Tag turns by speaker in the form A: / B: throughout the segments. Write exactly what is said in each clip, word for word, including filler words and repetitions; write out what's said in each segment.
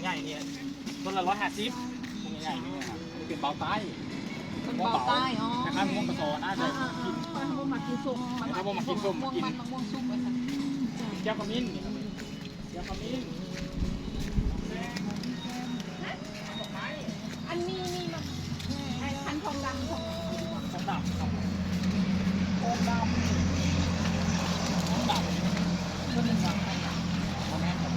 A: ญ่ๆเนี่ยต้นละร้อยห้าสิบพวกใหญ่ๆนี่ครับเป็นเบาใต้
B: เป็นเบาใต้อ๋อ
A: คล้ายๆมะม่วงกระสอน่าจะ
B: อ่า
A: กิน
B: ๆมะม่วงมากินส้ม
A: มะม่วงมากินส้ม
B: มะม่วง
A: กิน
B: มันมะม่วงซุปไปค่ะ
A: แก้วขมิ้นแก้วขมิ้น
B: อันนี้นี่มันไอ้พันทองดำทอง
A: ทองดำครับทองดำทองดำก็เป็นทองดำทองแม่ครับ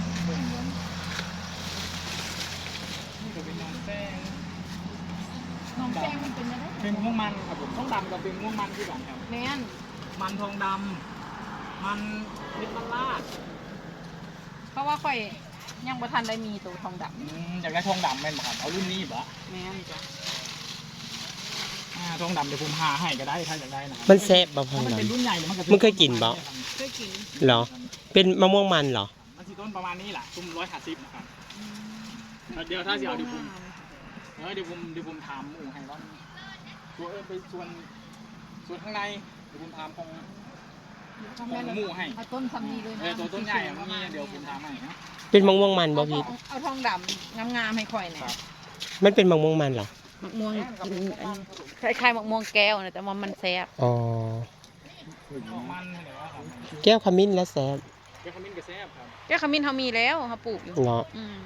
A: นี่ก็เป็นน้องแป้ง
B: น้องแป้งมันเป็นยังไง
A: เป็นม่วงมันครับผมทองดำกับเป็นม่วงมันที่กันครับ
B: แม่น
A: มันทองดำมันเม็ดมันลาด
B: เพราะว่าข่อยยังบ่ทันได้มีตัวทองด
A: อืมอยากได้ทองดำแม่นบ่ครับเอารุ่นนี้บ่
B: ำแม่นจ้ะ
A: อ่าทองดำเดี๋ยวผมหาให้ก็ได้ถ้าอยากได้นะ
C: มันแซ่บบ่พอ
A: ถ้ามัน
C: หรอ
A: เป็นรุ่นใหญ่เนี่ยมันก็
C: มึงเคยกินบ่
B: เคยกิน
C: เหรอ เป็นมะม่วงมันเหรอ
A: มันสิต้นประมาณนี้แหละตุ้มร้อยห้าสิบนะครับเดี๋ยวถ้าสิเอาเดี๋ยวผมเออเดี๋ยวผมเดี๋ยวผมถามหมู่ให้ว่าตัวเออไปส่วนส่วนข้างในเดี๋ยวผมถามของของหมู่ให้
B: เอาต้นซำนี้เลย
A: เอ
B: นะ
A: อตัวต้นใหญ่อะมันมีเดี๋ยวผมถามให้นะ
C: เป็นมะม่วงมันบ่
B: เอาท
C: พี่
B: องเอาทองดำงามๆให้ข่อยหน่อย
C: มันเป็นมะม่วงมันเหรอ
B: มะม่วงคล้ายๆมะม่วงแก้วนะแต่ว่ามันแซ่บ
C: อ๋อ
A: มันเหรอครับ
C: แก้วขมิ้นและแซ่บ
A: แกขมิ้นกระแซบครับ
B: แก้วขมิ้นเขามีแล้วเขาปลูกอยู่
C: เหรอ
B: อืม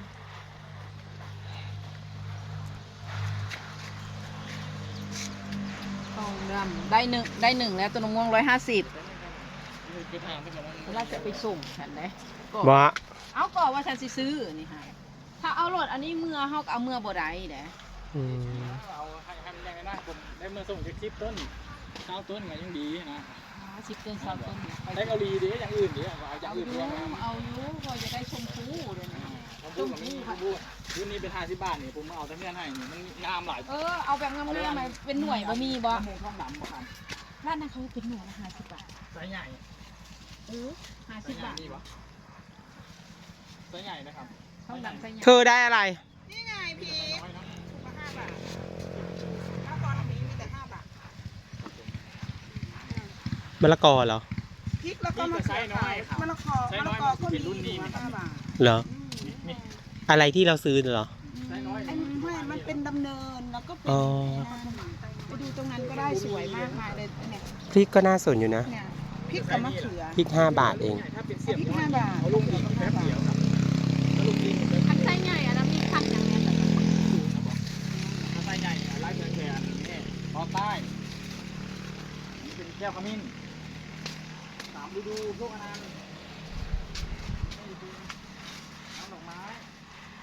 B: ทองดำได้หนึ่งได้หนึ่งแล้วตัวมะม่วงร้อยห้าสิบ
A: คือถามไปก่อนว่า
B: เราจะไปส่งฉันเลยก็
C: บ่
B: เอาก่อนว่าฉันสิซื้อนี่ฮะถ้าเอารถอันนี้เมื่อเฮาก็เอาเมื่อบ่ได้เด้
C: อืม
A: เอาให้ให้มันแรงเลยนะผมได้เมื่อส่งจากคลิปต้นเก้าต้นไงยังดีนะ
B: สิบต้นสามต้น
A: ได้เกาหลีดีอย่างอื่นดีเอาอ
B: เอา
A: ย่าง
B: อ
A: อื่น
B: ยู่
A: รวมมา
B: เอาอยู่ก็จะได้ชมพูเลยนะ
A: ผมพูดกับนี่ผมพูดรุ่นนี้เป็นห้าสิบบาทนี่ผมเอาแต่เงื่อนให้นี่มันงามหลาย
B: เออเอาแบบงามๆมาเป็นหน่วยบ่มีบ่
A: มะม่วงทองดำบ่ครับ
B: ร้านนั้นเขาเป็นหน่วยละห้าสิบบาท
A: ไซส์ใหญ่
B: เออห้า
A: ไซ
B: สิบ
A: ส์ใหญ่
B: บาท
A: นี่ปะไซส์ใหญ่นะครับ
B: เขาดำใส่
C: เธอได้อะไร
D: นี่ไงพี่
A: น้อยนะ
D: มาห้าบาทถ้าตอนนี้มีแต่ห้าบาท
C: มะละกอเหรอ
D: พริกแล้วก็มะเขือเทศมะละกอมะละกอก็มีอยู่ห้าบาท
C: เหรอ
A: นี่
C: อะไรที่เราซื้อเหรอ
A: ไซส์น้อย
D: อันนี้ไม่มันเป็นดำเนินแล้วก็เป็น
C: อ๋อ
D: ไปดูตรงนั้นก็ได้สวยมากมายเลยเนี่ย
C: พริกก็น่าสนอยู่นะ
D: เนี่ยพริกกับมะเขือ
C: พริกห้าบาทเอง
A: ถ้าเป็นเสียบ
D: พริกห้าบาท
A: เอาลงอีกแป๊บเดียวครับแล้วลงอีกแป๊บ
B: อันไส้ใหญ่อันนั้นมีคันอย่างเนี้ย
A: ถ้าไซส์ใหญ่ไล่เงินแหวนนี่ตอนใต้นี่เป็นแก้วขมิ้นสามฤดูพวกอันนั้น